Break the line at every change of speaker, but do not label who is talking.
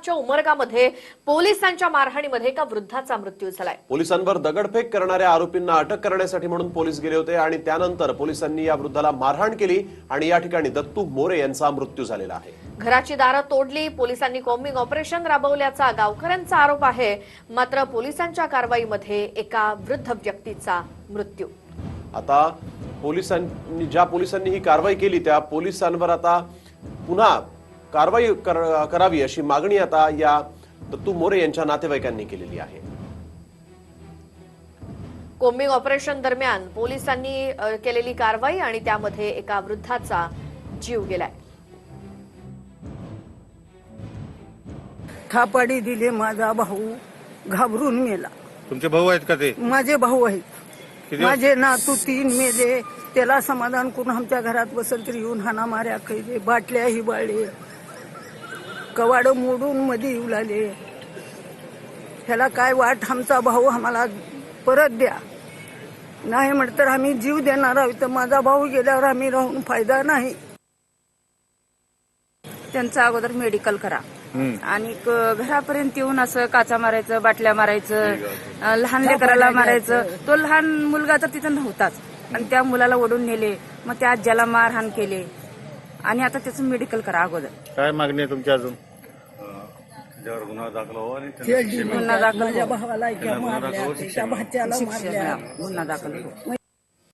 पंजाबच्या उमरगामध्ये पोलिसांच्या मारहाणीमध्ये एका वृद्धाचा मृत्यू झालाय।
पोलिसांवर दगडफेक करणाऱ्या आरोपींना अटक करण्यासाठी म्हणून पोलीस गेले होते आणि त्यानंतर पोलिसांनी या वृद्धाला मारहाण केली आणि या ठिकाणी दत्तू मोरे यांचा मृत्यू झालेला आहे।
घराची दारं तोडली, पोलिसांनी कॉम्बिंग ऑपरेशन राबवल्याचा गावकऱ्यांचा आरोप आहे। मात्र पोलिसांच्या कारवाईमध्ये एका वृद्ध व्यक्तीचा मृत्यू।
आता ज्या पोलिसांनी ही कारवाई केली त्या पोलिसांवर आता पुन्हा कारवाई करावी अशी मागणी आता या दत्तू मोरे यांच्या नातेवाईकांनी केलेली आहे।
कॉम्बिंग ऑपरेशन दरम्यान पोलिसांनी केलेली कारवाई आणि त्यामध्ये एका वृद्धाचा जीव गेलाय।
थापाडी दिले, माझा भाऊ घाबरून मेला।
तुमचे भाऊ आहेत का ते?
माझे भाऊ आहेत। माझे नातू 3 मेले। त्याला समाधान करून आमच्या घरात बसल तरी येऊन हाना मार्या केले, बाटल्याही बाळले, कवाड मोडून मध्ये येऊ लागले। ह्याला काय वाट, आमचा भाऊ आम्हाला परत द्या, नाही म्हटलं तर आम्ही जीव देणार आहोत। तर माझा भाऊ गेल्यावर आम्ही राहून फायदा नाही।
त्यांचं अगोदर मेडिकल करा आणि घरापर्यंत येऊन असं काचा मारायचं, बाटल्या मारायचं, लहान लेकराला मारायचं। तो लहान मुलगा तर तिथं नव्हताच आणि त्या मुलाला ओढून नेले, मग त्या आज्याला मारहाण केले आणि आता त्याचं मेडिकल करा अगोदर।
काय मागणी आहे तुमची अजून?
गुन्हा दाखल, माझ्या भावाला मारल्या, त्या भाच्याला मारल्या,
गुन्हा दाखल हो।